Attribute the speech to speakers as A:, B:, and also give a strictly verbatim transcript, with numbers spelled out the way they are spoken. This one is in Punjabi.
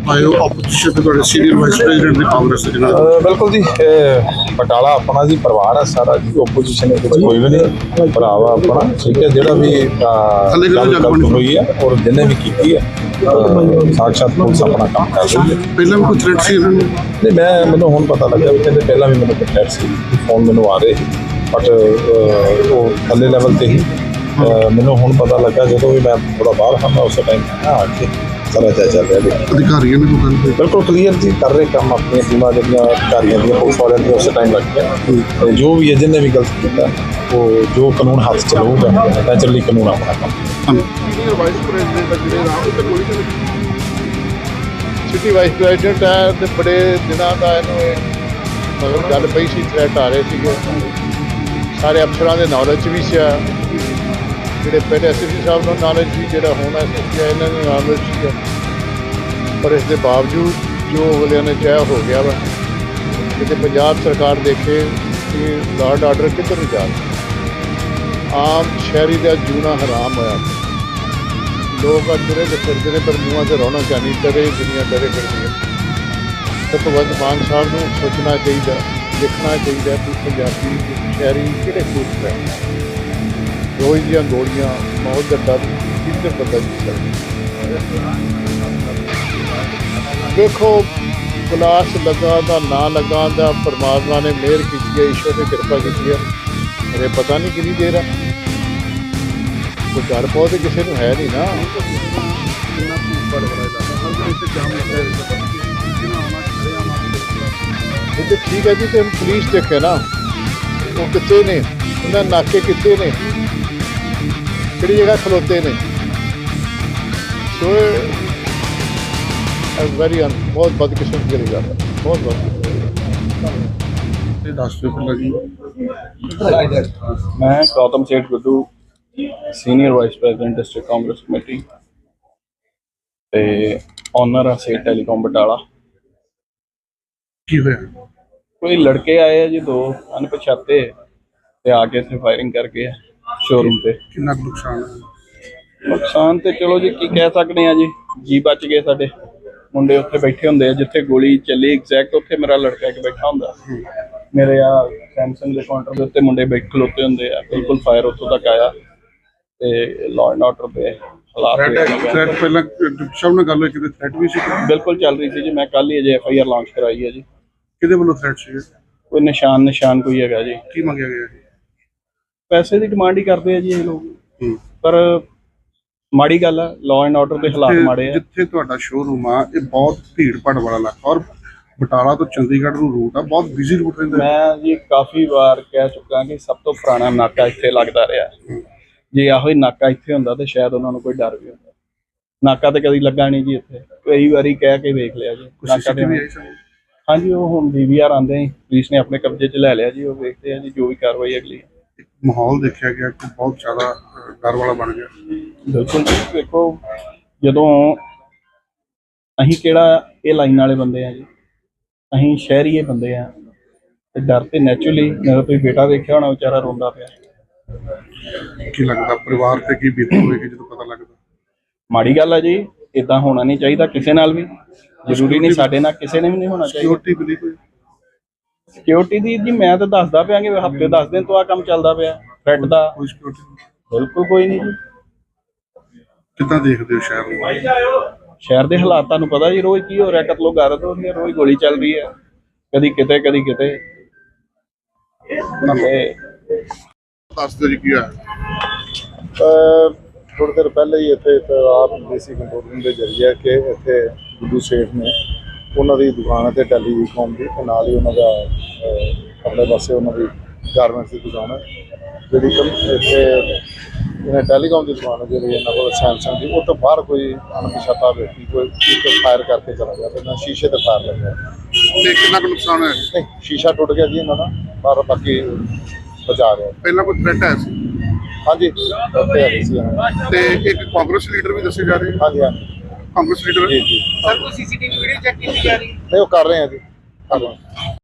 A: ਆਏ ਹੋ ਆਪੋਜੀਸ਼ਨ ਤੇ ਤੁਹਾਡੇ ਸੀਨੀਅਰ ਵਾਈਸ ਪ੍ਰੈਜ਼ੀਡੈਂਟ ਨੇ ਕਾਂਗਰਸ ਦੇ ਨਾਲ।
B: ਬਿਲकुल जी, ਬਟਾਲਾ अपना जी परिवार है सारा जी, ओपोजिशन कोई भी नहीं, भरावा अपना ठीक है। जो भी गल हुई है और जिन्हें भी की है साक्षात पुलिस अपना काम कर रही है।
A: ਪਹਿਲਾਂ ਵੀ ਕੋਈ ਥ੍ਰੈਟ ਸੀ ਇਹਨਾਂ ਨੂੰ?
B: नहीं मैं मैंने हुण पता लगा भी कहते पहला भी मैंने थ्रेट सी फोन मैंने आ रहे बट वो थले लैवल ते ही मैंने हुण पता लगा जो भी मैं थोड़ा बाहर था मैं उस टाइम आके सारा जायजा चल रहा है।
A: ਅਧਿਕਾਰੀਆਂ ਨੇ ਕੋਈ ਗੱਲ ਕੀਤੀ?
B: बिल्कुल क्लीयर जी कर रहे काम अपनी टीमां जिहड़ियां अधिकारियों दी पुलिस वालियां दी उस टाइम लग गया जो भी है जिन्हें भी गलत किया वो जो कानून हाथ च लऊगा नैचुरली कानून अपना काम।
A: ਵਾਈਸ ਪ੍ਰੈਜ਼ੀਡੈਂਟ ਜਿਹੜੇ ਰਾਮ ਤੇ ਕੋਈ
C: ਸਿਟੀ ਵਾਈਸ ਪ੍ਰੈਜ਼ੀਡੈਂਟ ਹੈ ਤੇ ਬੜੇ ਦਿਨਾਂ ਦਾ ਇਹਨੂੰ ਮਤਲਬ ਗੱਲ ਪਈ ਸੀ, ਥ੍ਰੈਟ ਆ ਰਹੇ ਸੀਗੇ ਸਾਰੇ ਅਫਸਰਾਂ ਦੇ ਨੌਲੇਜ ਵੀ ਸੀ, ਜਿਹੜੇ ਪਹਿਲੇ ਐਸ ਪੀ ਸਾਹਿਬ ਨੂੰ ਨੌਲੇਜ ਵੀ, ਜਿਹੜਾ ਹੁਣ ਐਸ ਪੀ ਇਹਨਾਂ ਨੂੰ ਨੌਲੇਜ ਸੀ, ਪਰ ਇਸ ਦੇ ਬਾਵਜੂਦ ਜੋ ਅਗਲਿਆਂ ਨੇ ਚਾਹਿਆ ਹੋ ਗਿਆ ਵਾ। ਕਿਤੇ ਪੰਜਾਬ ਸਰਕਾਰ ਦੇਖੇ ਕਿ ਲਾਅ ਆਰਡਰ ਕਿੱਧਰ ਨੂੰ ਜਾ ਰਿਹਾ, ਆਮ ਸ਼ਹਿਰੀ ਦਾ ਜੂਣਾ ਹਰਾਮ ਹੋਇਆ। ਲੋਕ ਅੱਜ ਤੁਰੇ ਫਿਰਦੇ ਨੇ ਪਰ ਮੂੰਹਾਂ 'ਤੇ ਰੌਣਕ ਨਹੀਂ, ਡਰੇ ਦੁਨੀਆ ਡਰੇ ਫਿਰਦੀ ਹੈ। ਤਾਂ ਭਗਵੰਤ ਮਾਨ ਸਾਹਿਬ ਨੂੰ ਸੋਚਣਾ ਚਾਹੀਦਾ, ਦੇਖਣਾ ਚਾਹੀਦਾ ਕਿ ਪੰਜਾਬੀ ਸ਼ਹਿਰੀ ਕਿਹੜੇ ਖੂਬ ਹੈ। ਰੋਜ਼ ਦੀਆਂ ਗੋਲੀਆਂ, ਮੌਤ ਦਾ ਡਰ ਕਿੱਧਰ ਬੰਦਾ ਜੀ ਸਕਦਾ। ਦੇਖੋ ਕਲਾਸ ਲੱਗਾ ਦਾ ਨਾ ਲੱਗਾ ਦਾ ਪਰਮਾਤਮਾ ਨੇ ਮਿਹਰ ਕੀਤੀ ਹੈ, ਈਸ਼ਵਰ ਨੇ ਕਿਰਪਾ ਕੀਤੀ ਹੈ। ਮੇਰੇ ਪਤਾ ਨਹੀਂ ਕਿੰਨੀ ਦੇਰ ਆ, ਕੋਈ ਡਰ ਬਹੁਤ ਕਿਸੇ ਨੂੰ ਹੈ ਨਹੀਂ ਨਾ। ਇਹ ਤਾਂ ਠੀਕ ਹੈ ਜੀ, ਤੇ ਪੁਲਿਸ ਦੇਖੇ ਨਾ ਉਹ ਕਿੱਥੇ ਨੇ, ਉਹਨਾਂ ਨਾਕੇ ਕਿੱਥੇ ਨੇ, ਕਿਹੜੀ ਜਗ੍ਹਾ ਖਲੋਤੇ ਨੇ। ਸੋ ਵੈਰੀ ਅਨ ਬਹੁਤ ਬਦਕਿਸਮਤ ਕਰੀ ਗੱਲ ਹੈ, ਬਹੁਤ ਬਹੁਤ
A: ਇਹ ਦੱਸ ਦਿਓ ਪਹਿਲਾਂ ਜੀ।
D: मैं Gautam Seth Guddu senior vice president district Congress committee ते ऑनर आ सेठ टेलीकॉम बटाला।
A: ਕੀ ਹੋਇਆ?
D: कोई लड़के आए हैं जी, दो अनपछाते ते आके इत्थे फायरिंग करके शोरूम पे।
A: ਕਿੰਨਾ ਕੁ ਨੁਕਸਾਨ ਹੈ?
D: नुकसान ते चलो जी की कह सकते हैं जी, जी बच गए साडे मुंडे उत्थे बैठे हुंदे, जिथे गोली चली एग्जैक्ट उत्थे मेरा लड़का एक बैठा हुंदा, मेरे आ सैमसंग के काउंटर के उत्ते मुंडे बैठ खलोते हुंदे आ, बिल्कुल फायर उत्थों तक आया ते लॉ एंड ऑर्डर पे हालात
A: ਥ੍ਰੈਟ ਪਹਿਲਾਂ ਡਿਪਟੀ ਸਾਹਿਬ ਨਾਲ ਗੱਲ ਹੋਈ, ਕਿਤੇ ਥ੍ਰੈਟ ਵੀ ਸੀ?
D: बिल्कुल चल रही थी जी। मैं कल ही अजे एफ आई आर लॉन्च कराई है जी।
A: ਕਿਹਦੇ ਵੱਲੋਂ ਥ੍ਰੈਟ ਸੀ?
D: कोई निशान निशान कोई है जी,
A: ਕੀ ਮੰਗਿਆ ਗਿਆ ਜੀ?
D: पैसे की डिमांड ही करते हैं जी ये लोग, पर ਮਾੜੀ ਗੱਲ ਆ, ਲਾਅ ਐਂਡ ਆਰਡਰ ਦੇ ਹਾਲਾਤ ਮਾੜੇ ਆ।
A: ਜਿੱਥੇ ਤੁਹਾਡਾ ਸ਼ੋਰੂਮ ਆ ਇਹ ਬਹੁਤ ਭੀੜ ਭਾੜ ਵਾਲਾ ਇਲਾਕਾ, ਔਰ ਬਟਾਲਾ ਤੋਂ ਚੰਡੀਗੜ੍ਹ ਨੂੰ ਰੂਟ ਆ, ਬਹੁਤ ਬਿਜ਼ੀ ਰੂਟ ਰਹਿੰਦਾ।
D: ਮੈਂ ਜੀ ਕਾਫੀ ਵਾਰ ਕਹਿ ਚੁੱਕਾ ਕਿ ਸਭ ਤੋਂ ਪੁਰਾਣਾ ਨਾਕਾ ਇੱਥੇ ਲੱਗਦਾ ਰਿਹਾ। ਜੇ ਇਹੋ ਹੀ ਨਾਕਾ ਇੱਥੇ ਹੁੰਦਾ ਤੇ ਸ਼ਾਇਦ ਉਹਨਾਂ ਨੂੰ ਕੋਈ ਡਰ ਵੀ ਹੁੰਦਾ। ਨਾਕਾ ਤੇ ਕਦੀ ਲੱਗਾ ਨਹੀਂ ਜੀ ਇੱਥੇ, ਕਈ ਵਾਰੀ ਕਹਿ ਕੇ ਵੇਖ ਲਿਆ ਜੀ ਨਾਕਾ ਤੇ। ਹਾਂਜੀ, ਉਹ ਹੁਣ ਡੀ ਵੀ ਆਰ ਆਉਂਦੇ ਆ, ਪੁਲਿਸ ਨੇ ਆਪਣੇ ਕਬਜ਼ੇ 'ਚ ਲੈ ਲਿਆ ਜੀ, ਉਹ ਵੇਖਦੇ ਆ ਜੀ ਜੋ ਵੀ ਕਾਰਵਾਈ ਅਗਲੀ।
A: ਮਾਹੌਲ ਦੇਖਿਆ ਗਿਆ ਕਿ ਬਹੁਤ ਜ਼ਿਆਦਾ ਡਰ ਵਾਲਾ ਬਣ ਗਿਆ।
D: ਬਿਲਕੁਲ ਜੀ, ਦੇਖੋ ਜਦੋਂ ਅਸੀਂ ਕਿਹੜਾ ਇਹ ਲਾਈਨ ਵਾਲੇ ਬੰਦੇ ਆ ਜੀ, ਅਸੀਂ ਸ਼ਹਿਰੀਏ ਬੰਦੇ ਆ ਤੇ ਡਰ ਤੇ ਨੈਚੁਰਲੀ। ਮੇਰਾ ਤੁਸੀਂ ਬੇਟਾ ਦੇਖਿਆ ਹੋਣਾ, ਵਿਚਾਰਾ ਰੋਂਦਾ ਪਿਆ।
A: ਕੀ ਲੱਗਦਾ ਪਰਿਵਾਰ ਤੇ ਕੀ ਬੀਤੀ ਹੋਏਗੀ ਜਦੋਂ ਪਤਾ ਲੱਗਦਾ?
D: ਮਾੜੀ ਗੱਲ ਆ ਜੀ, ਇਦਾਂ ਹੋਣਾ ਨਹੀਂ ਚਾਹੀਦਾ ਕਿਸੇ ਨਾਲ ਵੀ, ਜ਼ਰੂਰੀ ਨਹੀਂ ਸਾਡੇ ਨਾਲ ਕਿਸੇ ਨੇ ਵੀ ਨਹੀਂ ਹੋਣਾ ਚਾਹੀਦਾ।
A: ਸਿਕਿਉਰਿਟੀ ਮਿਲੀ ਕੋਈ?
D: ਸਿਕਿਉਰਿਟੀ ਦੀ ਜੀ ਮੈਂ ਤਾਂ ਦੱਸਦਾ ਪਿਆ ਕਿ ਹਫ਼ਤੇ ਦਸ ਦਿਨ ਤੋਂ ਆ ਕੰਮ ਚੱਲਦਾ ਪਿਆ ਥ੍ਰੈਟ ਦਾ।
A: ਕੋਈ ਸਿਕਿਉਰਿਟੀ
D: ਬਿਲਕੁਲ ਕੋਈ ਨਹੀਂ ਜੀ।
A: ਕਿੱਦਾਂ ਦੇਖਦੇ ਹੋ ਸ਼ਹਿਰ ਨੂੰ?
D: ਸ਼ਹਿਰ ਦੇ ਹਾਲਾਤ ਤੁਹਾਨੂੰ ਪਤਾ ਜੀ, ਰੋਜ਼ ਕੀ ਹੋ ਰਿਹਾ, ਕਤਲੋ ਗਾਰਤ ਹੋ ਰਹੀ ਹੈ, ਰੋਜ਼ ਗੋਲੀ ਚੱਲ ਰਹੀ ਹੈ, ਕਦੀ ਕਿਤੇ ਕਦੀ ਕਿਤੇ।
A: ਦੱਸ ਦਿਓ ਜੀ ਕੀ ਆ?
C: ਥੋੜ੍ਹੀ ਦੇਰ ਪਹਿਲੇ ਹੀ ਇੱਥੇ ਆਪ ਦੇਸੀ ਕੰਟਰੋਲ ਰੂਮ ਦੇ ਜ਼ਰੀਏ ਕਿ ਇੱਥੇ ਗੁੱਡੂ ਸੇਠ ਨੇ, ਉਹਨਾਂ ਦੀ ਦੁਕਾਨ ਹੈ ਤੇ ਟੈਲੀਕਾਮ ਦੀ, ਤੇ ਨਾਲ ਹੀ ਉਹਨਾਂ ਦਾ ਆਪਣੇ ਪਾਸੇ ਉਹਨਾਂ ਦੀ ਗਾਰਮੈਂਟਸ ਦੀ ਦੁਕਾਨ ਹੈ ਜਿਹੜੀ ਇੱਥੇ ਇਹਨਾਂ ਟੈਲੀਕਾਮ ਦੀ ਦੁਕਾਨ ਹੈ ਜਿਹੜੀ ਇਹਨਾਂ ਕੋਲ ਸੈਮਸੰਗ ਦੀ। ਉਹ ਤੋਂ ਬਾਹਰ ਕੋਈ ਅਣਪਛਾਤਾ ਵਿਅਕਤੀ ਕੋਈ ਇੱਕ ਫਾਇਰ ਕਰਕੇ ਚਲਾ ਗਿਆ ਤੇ ਨਾ ਸ਼ੀਸ਼ੇ ਤੇ ਫਾਇਰ ਲੱਗਿਆ।
A: ਤੇ ਕਿੰਨਾ ਕੁ ਨੁਕਸਾਨ ਹੈ?
C: ਨਹੀਂ, ਸ਼ੀਸ਼ਾ ਟੁੱਟ ਗਿਆ ਜੀ ਇਹਨਾਂ ਦਾ, ਪਰ ਬਾਕੀ ਬਚਾ ਰਿਹਾ।
A: ਪਹਿਲਾਂ ਕੋਈ ਥ੍ਰੈਟ ਆਇਆ ਸੀ?
C: ਹਾਂਜੀ, ਉੱਥੇ ਆ ਗਈ ਸੀ ਇਹਨਾਂ ਦੀ।
A: ਤੇ ਇੱਕ ਕਾਂਗਰਸ ਲੀਡਰ ਵੀ ਦੱਸੇ ਜਾ ਰਹੇ?
C: ਹਾਂਜੀ ਹਾਂਜੀ,
A: ਕਾਂਗਰਸ ਲੀਡਰ
C: ਜੀ ਜੀ।
E: ਸਰ ਕੋਈ ਸੀਸੀਟੀਵੀ ਵੀਡੀਓ ਚੈੱਕ ਕੀਤੀ ਜਾ ਰਹੀ ਹੈ?
C: ਨਹੀਂ, ਉਹ ਕਰ ਰਹੇ ਆ ਜੀ, ਕਰ ਰਹੇ